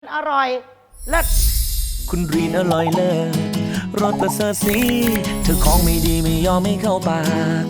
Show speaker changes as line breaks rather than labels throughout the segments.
อร่อยเลิศ
คุณรีนอร่อยเลิศรสประเสริฐสีเธอของไม่ดีไม่ยอมไม่เข้าปาก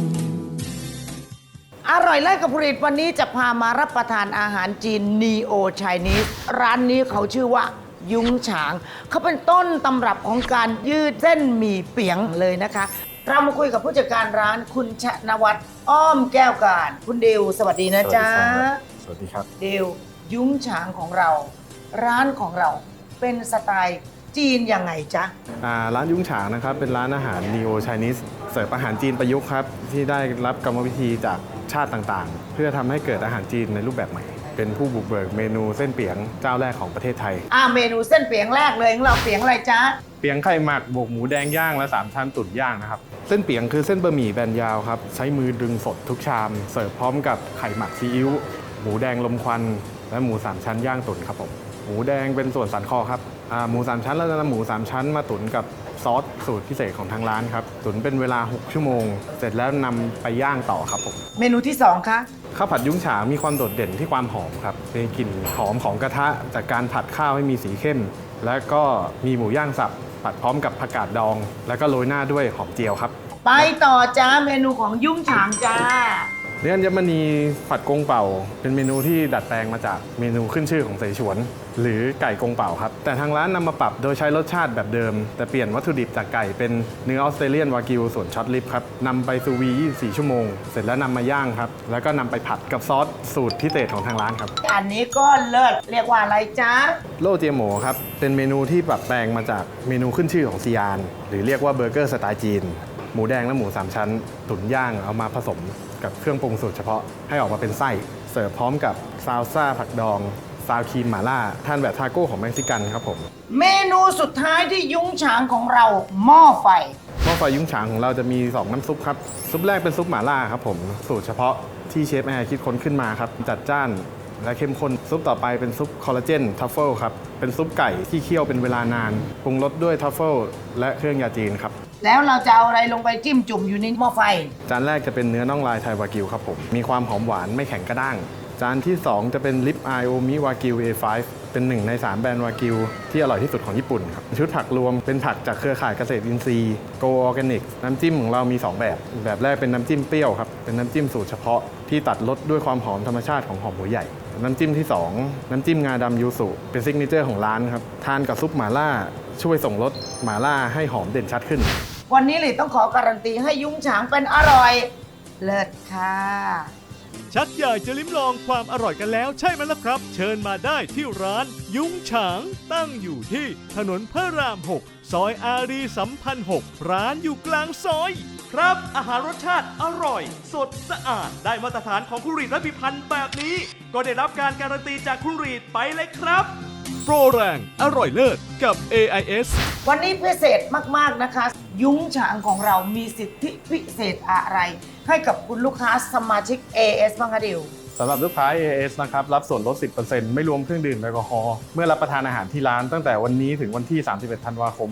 อร่อยเลิศกับผลิตวันนี้จะพามารับประทานอาหารจีนนีโอไชนีสร้านนี้เขาชื่อว่ายุ้งฉางเขาเป็นต้นตำรับของการยืดเส้นหมี่เปียงเลยนะคะเรามาคุยกับผู้จัดการร้านคุณชนวัฒน์อ้อมแก้วการคุณเดวสวัสดีนะจ๊ะ
สวัสดีครับ
เดวยุ้งฉางของเราร้านของเราเป็นสไตล์จีนยังไงจ๊ะ
ร้านยุ้งฉางนะครับเป็นร้านอาหาร Neo Chinese เสิร์ฟอาหารจีนประยุกต์ครับที่ได้รับกรรมวิธีจากชาติต่างๆ เพื่อทำให้เกิดอาหารจีนในรูปแบบใหม่เป็นผู้บุกเบิกเมนูเส้นเปียงเจ้าแรกของประเทศไทย
เมนูเส้นเปียงแรกเลยของเราเปียงอะไรจ๊ะ
เปียงไข่หมักบวกหมูแดงย่างและ3ชั้นตุ๋นย่างนะครับเส้นเปียงคือเส้นบะหมี่แบนยาวครับใช้มือดึงสดทุกชามเสิร์ฟพร้อมกับไข่หมักซีอิ๊วหมูแดงลมควันและหมู3ชั้นย่างตุ๋นครับผมหมูแดงเป็นส่วนสันคอครับหมู3ชั้นเราจะนำหมู3ชั้นมาตุ๋นกับซอสสูตรพิเศษของทางร้านครับตุ๋นเป็นเวลา6ชั่วโมงเสร็จแล้วนำไปย่างต่อครับผม
เมนูที่2คะ
ข้าวผัดยุ้งฉางมีความโดดเด่นที่ความหอมครับมีกลิ่นหอมของกระทะจากการผัดข้าวให้มีสีเข้มและก็มีหมูย่างสับผัดพร้อมกับผักกาดดองแล้วก็โรยหน้าด้วยหอมเจียวครับ
ไปต่อจ้าเมนูของยุ้งฉางจ้า
เนื้ออัญมณีผัดกงเป่าเป็นเมนูที่ดัดแปลงมาจากเมนูขึ้นชื่อของเสฉวนหรือไก่กงเป่าครับแต่ทางร้านนำมาปรับโดยใช้รสชาติแบบเดิมแต่เปลี่ยนวัตถุดิบจากไก่เป็นเนื้อออสเตรเลียนวากิวส่วนช็อตลิปครับนำไปซูวี24ชั่วโมงเสร็จแล้วนำมาย่างครับแล้วก็นำไปผัดกับซอสสูตรพิเศษของทางร้านครับ
อันนี้ก็เลิศเรียกว่าอะไรจ๊ะ
โล่เจียหมูครับเป็นเมนูที่ปรับแปลงมาจากเมนูขึ้นชื่อของซียานหรือเรียกว่าเบอร์เกอร์สไตล์จีนหมูแดงและหมู3ชั้นตุ๋นย่างเอามาผสมกับเครื่องปรุงสูตรเฉพาะให้ออกมาเป็นไส้เสิร์ฟพร้อมกับซาลซ่าผักดองซาวครีมหม่าล่าทานแบบทาโก้ของเม็กซิกันครับผม
เมนูสุดท้ายที่ยุ้งฉางของเราหม้อไฟ
ยุ้งฉางของเราจะมี2น้ำซุปครับซุปแรกเป็นซุปหม่าล่าครับผมสูตรเฉพาะที่เชฟแอร์คิดค้นขึ้นมาครับจัดจ้านและเข้มข้นซุปต่อไปเป็นซุปคอลลาเจนทัฟเฟิลครับเป็นซุปไก่ที่เคี่ยวเป็นเวลานานปรุงรสด้วยทัฟเฟิลและเครื่องยาจีนครับ
แล้วเราจะเอาอะไรลงไปจิ้มจุ่มอยู่ในหม้อไฟ
จานแรกจะเป็นเนื้อน่องลายไทยวากิวครับผมมีความหอมหวานไม่แข็งกระด้างจานที่2จะเป็นลิปไอโอมิวากิว A5 เป็น1ใน3แบรนด์วากิวที่อร่อยที่สุดของญี่ปุ่นครับชุดผักรวมเป็นผักจากเครือข่ายเกษตรอินทรีย์โกออร์แกนิกน้ำจิ้มของเรามี2แบบแรกเป็นน้ำจิ้มเปรี้ยวครับเป็นน้ำจิ้มสูตรเฉพาะที่ตัดรสด้วยความหอมธรรมชาติของหอมหัวใหญ่น้ำจิ้มที่2น้ำจิ้มงาดำยูสุเป็นซิกเนเจอร์ของร้านครับทานกับซุปหม่าล่าช่วยส่งรสหม่าล่าให้หอมเด่นชัดขึ้น
วันนี้เลยต้องขอการันตีให้ยุ้งฉางเป็นอร่อยเลิศค่ะ
ชักอยากจะลิ้มลองความอร่อยกันแล้วใช่ไหมล่ะครับเชิญมาได้ที่ร้านยุ้งฉางตั้งอยู่ที่ถนนพระราม 6 ซอยอารีสัมพันธ์ 6 ร้านอยู่กลางซอยครับอาหารรสชาติอร่อยสดสะอาดได้มาตรฐานของคุณรีดและพิพันธ์แบบนี้ก็ได้รับการการันตีจากคุณรีดไปเลยครับโปรแรงอร่อยเลิศกับ AIS
วันนี้พิเศษมากๆนะคะยุ้งฉางของเรามีสิทธิพิเศษอะไรให้กับคุณลูกค้าสมาชิก AIS บ้างคะดิว
สำหรับลูกค้า AIS นะครับรับส่วนลด 10% ไม่รวมเครื่องดื่มแอลกอฮอล์เมื่อรับประทานอาหารที่ร้านตั้งแต่วันนี้ถึงวันที่ 31 ธันวาคม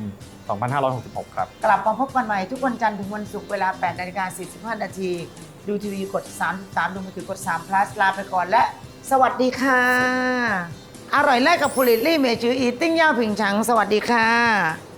2566 ครับ
กลับมาพบกันใหม่ทุกวันจันทร์ถึงวันศุกร์เวลา 8:45 นาทีดูทีวีกด33ดูมือถือกด3 plus ลาไปก่อนและสวัสดีค่ะอร่อยแรกกับผลิตลี่เมจืออีติ้งย่าผิงฉังสวัสดีค่ะ